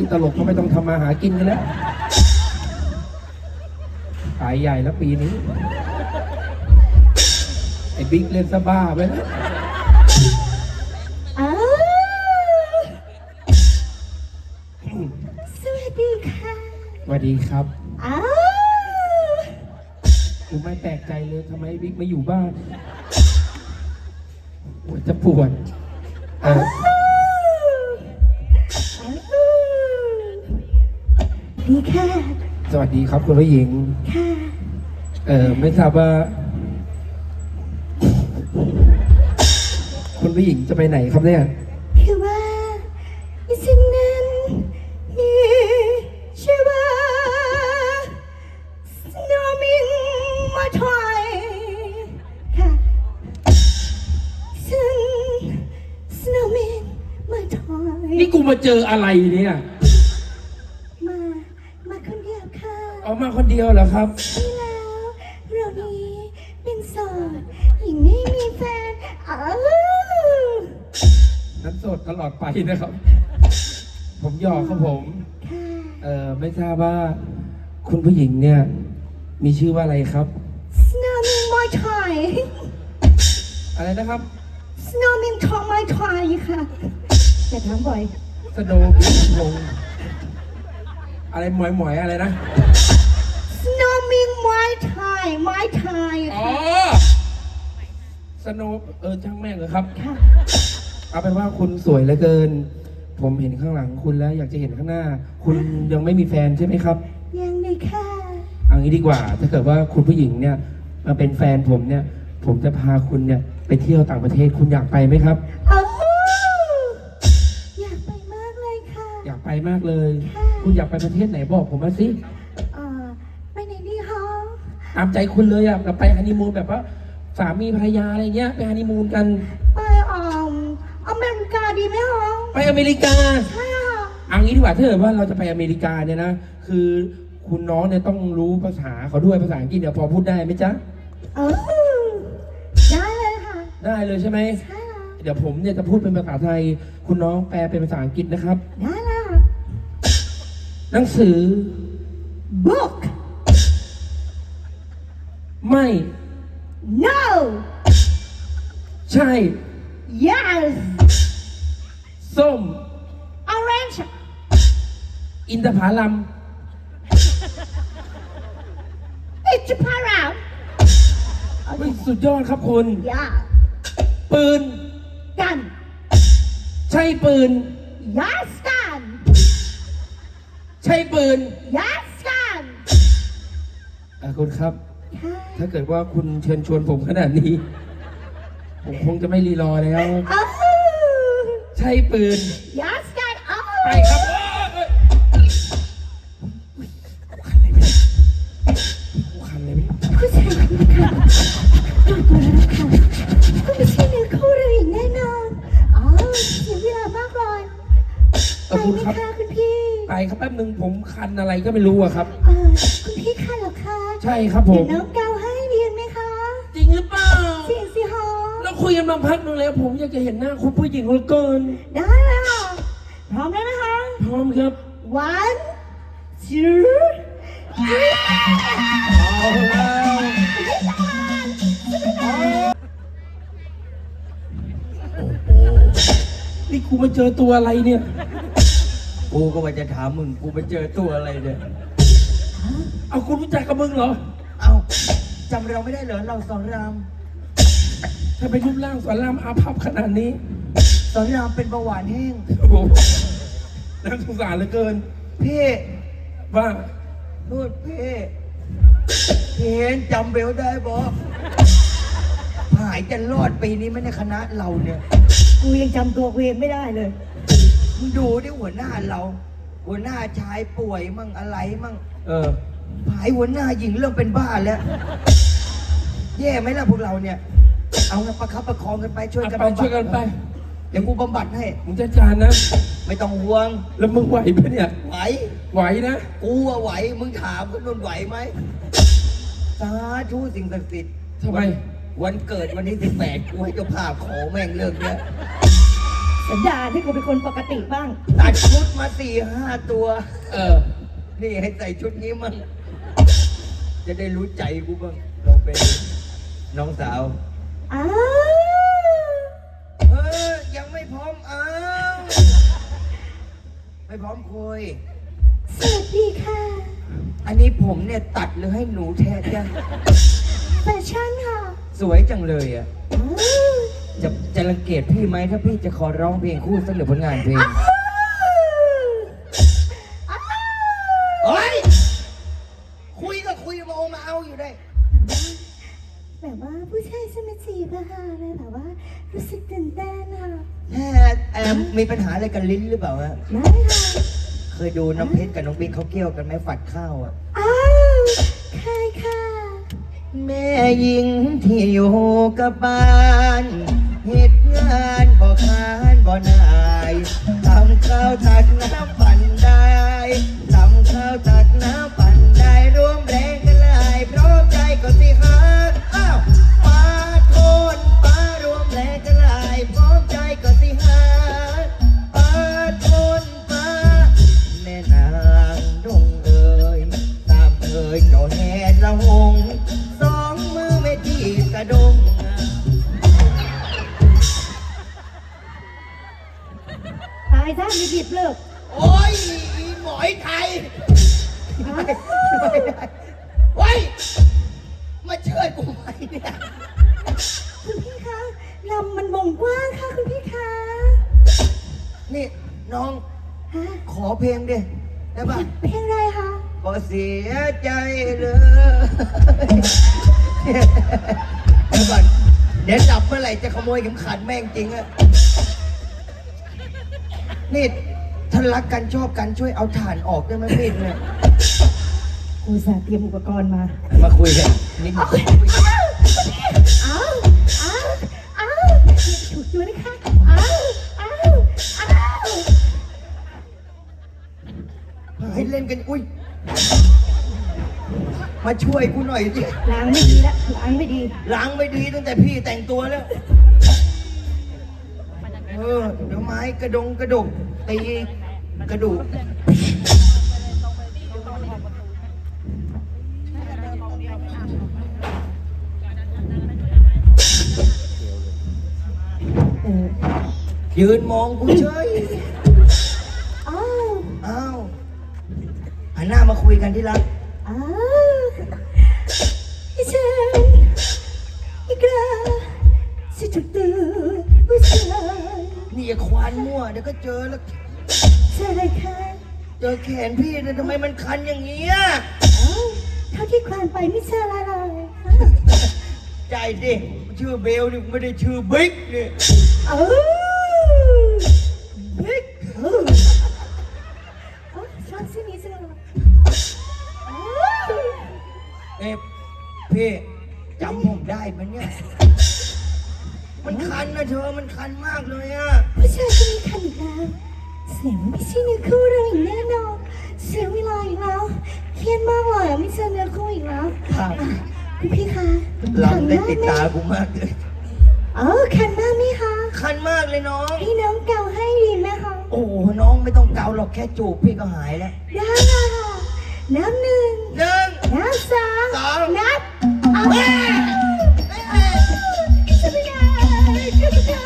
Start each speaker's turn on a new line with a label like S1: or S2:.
S1: ตลกก็ไม่ต้องทำมาหากินกันแล้วตายใหญ่แล้วปีนี้ไอ้บิ๊กเล่นซะบ้าไปแล้ว
S2: สวัสดีค่ะ
S1: สวัสดีครับ
S2: อ้า
S1: กูไม่แปลกใจเลยทำไมบิ๊กไม่อยู่บ้านปวดจะปวด
S2: ดีค่ะ
S1: สวัสดีครับคุณผู้หญิง
S2: ค่ะ
S1: ไม่ทราบว่าคุณผู้หญิงจะไปไหนครับเนี่ย
S2: คือว่าฉันนั้นมีชื่อว่าสโนว์มินมาถอยค่ะฉันสโนว์มินมาถอย
S1: นี่กูมาเจออะไรเนี่ย
S2: มาคนเดียวค่ะ
S1: ออกมาคนเดียวเหรอครับ
S2: ใช่แล้วเรานี้เป็นโสดหญิงไม่มีแฟน
S1: นั้นโสดตลอดไปนะครับผมหยอกครับผมไม่ทราบว่าคุณผู้หญิงเนี่ยมีชื่อว่าอะไรครับ
S2: Snowman My Thai
S1: อะไรนะครับ
S2: Snowman My Thai ค่ะแต่ถามบ่อย
S1: สโนว์บินลงอะไรหมอยๆอะไรนะ
S2: Snowman My Thai My Thai
S1: อ๋อสโนว์ช่างแม่งเลยครับ
S2: ค่ะ
S1: เอาเป็นว่าคุณสวยเหลือเกินผมเห็นข้างหลังคุณแล้วอยากจะเห็นข้างหน้าคุณยังไม่มีแฟนใช่ไหมครับ
S2: ยังเลยค่ะ
S1: เอางี้ดีกว่าถ้าเกิดว่าคุณผู้หญิงเนี่ยมาเป็นแฟนผมเนี่ยผมจะพาคุณเนี่ยไปเที่ยวต่างประเทศคุณอยากไปไหมครับ
S2: อยากไปมากเลยค่ะ
S1: อยากไปมากเลยคุณอยากไปประเทศไหนบอกผมมาสิ
S2: ไปไหนดีคะ
S1: ตามใจคุณเลยเราไปฮันนีมูนแบบว่าสามีภรรยาอะไรเงี้ยไปฮันนีมูนกัน
S2: ไปอเมริกาดีไหมคะ
S1: ไปอเมริกา
S2: ใช่ค่ะ
S1: เอางี้ดีกว่าถ้าเกิดว่าเราจะไปอเมริกาเนี่ยนะคือคุณน้องเนี่ยต้องรู้ภาษาเขาด้วยภาษาอังกฤษเนี่ยพอพูดได้ไหมจ๊ะ
S2: ได้เลยค่ะ
S1: ได้เลยใช่ไหม
S2: ใช่ค่ะ
S1: เดี๋ยวผมเนี่ยจะพูดเป็นภาษาไทยคุณน้องแปลเป็นภาษาอังกฤษนะครับ
S2: ได้เลย
S1: หนังสือ
S2: book
S1: ไม่
S2: no
S1: ใช่
S2: yes
S1: ส้ม
S2: orange
S1: อินทผลัม
S2: it's a parrot
S1: สุดยอดครับคุณ
S2: yeah
S1: ปืน
S2: กัน
S1: ใช่ปืน
S2: yes กัน
S1: ใช่ปืน
S2: yes กัน
S1: คุณครับถ้าเกิดว่าคุณเชิญชวนผมขนาดนี้ผมคงจะไม่รีรอแล้วใช่ปืน
S2: yes กัน
S1: ไปครับคันเลยไหม
S2: ผู้ชายคนนี้ค่ะตัวแล้วค่ะก็ไม่ใช่เนื้อคู่เราอีกแน่นอนเสียเวลามากเลยไปไหมคะคุณพี่
S1: ไปครับแป๊บนึงผมคันอะไรก็ไม่รู้อะครับ
S2: คุณพี่คันเหรอคะ
S1: ใช่ครับผม
S2: เดี๋ยวน้องเกาให้เรียนไหมคะ
S1: จริงหรือเปล่า
S2: จริงสิฮะ
S1: เราคุยกันมาพักนึงแล้วผมอยากจะเห็นหน้าคุณผู้หญิงเหลือเกิน
S2: ได้เลยค่ะพร้อมแล้วนะคะ
S1: พร้อมครับ
S2: one two
S1: เอาแล้วนี่กูมาเจอตัวอะไรเนี่ย
S3: กูก็ว่าจะถามมึงกูไปเจอตัวอะไรเนี่ย
S1: เอาคุณรู้จักกับมึงเหรอ
S3: เอาจำเราไม่ได้เหรอเราสอนราม
S1: ถ้าไปรูปร่างสอนรามอาภัพขนาดนี้
S3: สอนรามเป็นเบาหวานแห้ง
S1: โอ้โหน่าสงสารเหลือเกิน
S3: พี่
S1: ว่า
S3: พูดพี่เห็นจำเบลได้บอกหายจะรอดปีนี้ไหมในคณะเราเนี่ย
S2: กูยังจำตัวกูเองไม่ได้เลย
S3: มึงดูดิหัวหน้าเราหัวหน้าชายป่วยมั่งอะไรมั่งหายหัวหน้าหญิงเริ่มเป็นบ้าแล้วแย่ไหมล่ะพวกเราเนี่ยเอาไงประคับประคองกันไปช่วยกัน
S1: ไปช่วยกันไป
S3: เดี๋ยวกูบำบัดให้
S1: มึงจะจานนะ
S3: ไม่ต้องห่วง
S1: แล้วมึงไหวไหมเนี่ยไหวนะ
S3: กูว่าไหวมึงถามคนนู้นไหวไหมสาธุสิ่งศักดิ์สิทธิ์
S1: ทำไม
S3: วันเกิดวันที่18กูให้เจ้าภาพขอแม่งเลิกเนี่ย
S2: สัญญาให้กูเป็นคนปกติบ้าง
S3: ตัดชุดมา4-5 ตัว
S1: เออ
S3: นี่ให้ใส่ชุดนี้มั่งจะได้รู้ใจกูบ้างลองเป็นน้องสาว
S2: อ้าว
S3: ยังไม่พร้อมไม่พร้อมคุย
S2: สวัสดีค่ะ
S3: อันนี้ผมเนี่ยตัดหรือให้หนูแทนจ้ะ
S2: แฟชั่นค่ะ
S3: สวยจังเลยอ่ะ
S2: อ้าว
S3: จะรังเกียจพี่ไหมถ้าพี่จะขอร้องเพลงคู่สักหรือผลงานเพลง
S2: อ้าว
S3: เฮ้ย คุยก็คุยมาเอาอยู่ได้
S2: แบบว่าผู้ชายจะมาจีบอะค่ะเลยแบบว่ารู้สึกตื่นเต้นค่ะ
S3: มีปัญหาอะไรกันลิ้นหรือเปล่าฮะ
S2: ไม่ค่ะ
S3: เคยดูน้ำเพชรกับน้องบิ๊กเขาเกี่ยวกันไหมฝัดข้าวอ่ะ
S2: อ้าวใครค่ะ
S3: แม่หญิงที่อยู่กับบ้านเหตุงานบ่คานบ่นายทำข้าวตักน้ำปั่นได้ทำข้าวตักน้ำปั่นได้ร่วมแรงกันหลายเพราะใจก็สิหักอ้าวป้าโทนป้ารวมแรงกันหลายเพราะใจก็สิหักป้าโทนป้าแม่นางดงเอ่ยตามเอ่ยเจ้าแห่ละหงสองมือไม่ทีบกระดง
S2: ตายซะมีผิดเลิก
S3: โอ้ยอีหมอยไทยไม่ได้เฮ้ยมาเชิญกูไหมเนี่ย
S2: คุณพี่คะลำมันวงกว้างค่ะคุณพี่คะ
S3: นี่น้อง
S2: ฮะ
S3: ขอเพลงดิได้ป่ะ
S2: เพลงอะไรคะ
S3: ก็เสียใจเลยเดี๋ยวก่อนเดี๋ยวจับเมื่อไหร่จะขโมยเข็มขัดแม่งจริงอะนี่ถ้ารักกันชอบกันช่วยเอาถ่านออกได้ไหมพี่เนี่ย
S2: กูสาเตรียมอุปกรณ์มา
S3: มาคุยกันนิดหน่อย
S2: อ้าวอ้าวอ้าวถูกตัวนะคะอ้าวอ้าวอ้าว
S3: ให้เล่นกันอุ้ยมาช่วยกูหน่อยสิ
S2: ล้างไม่ดีละล้างไม่ดี
S3: ล้างไม่ดีตั้งแต่พี่แต่งตัวแล้วเดี๋ยวไม้กระดกตีกระดูก
S2: เออ
S3: ยืนมองกูเฉย
S2: อ้าว
S3: อ้าวหันหน้ามาคุยกันที่รัก
S2: อ้าวพี่เชนอีกแล้วสิถูกตัวผู้ชาย
S3: นี่อย่าควานมั่วเดี๋ยวก็เจอแล้ว
S2: ใช่ค่ะ
S3: เจอแขนพี่เนี่ยทำไมมันคันอย่างเงี้ย
S2: อ้าวเท่าที่ควานไปไม่ใช่อะไรเลย
S3: ใจดิชื่อเบลนี่ไม่ได้ชื่อบิ๊กนี่
S2: เออบิ๊กชอบชื่อนี้จังเลยอ้าว
S3: พี่จำผมได้ปะเนี่ยมันคันนะเธอมันคันมากเลยอะ
S2: ผู้ชายคนนี้คันอีกแล้วเสียงไม่ใช่เนื้อคู่เราอีกแน่นอนเสียเวลาอีกแล้วเครียดมากเลยไม่ใช่เนื้อคู่อีกแล้ว
S3: ครับ
S2: คุณพี่คะ
S3: ลำได้ติดตากูมากเลย
S2: คันมากไหมคะ
S3: คันมากเลยน้อง
S2: พี่น้องเก่าให้ดีไหมคะ
S3: โอ้โหน้องไม่ต้องเกาหรอกแค่จูบพี่ก็หายแล้ว
S2: ได้ค่ะน้ำหนึ่ง
S3: หนึ่ง
S2: น้ำสอง
S3: สอง
S2: นับเอา
S3: เฮ้ย
S2: จะไม่ได้จะไม่ได้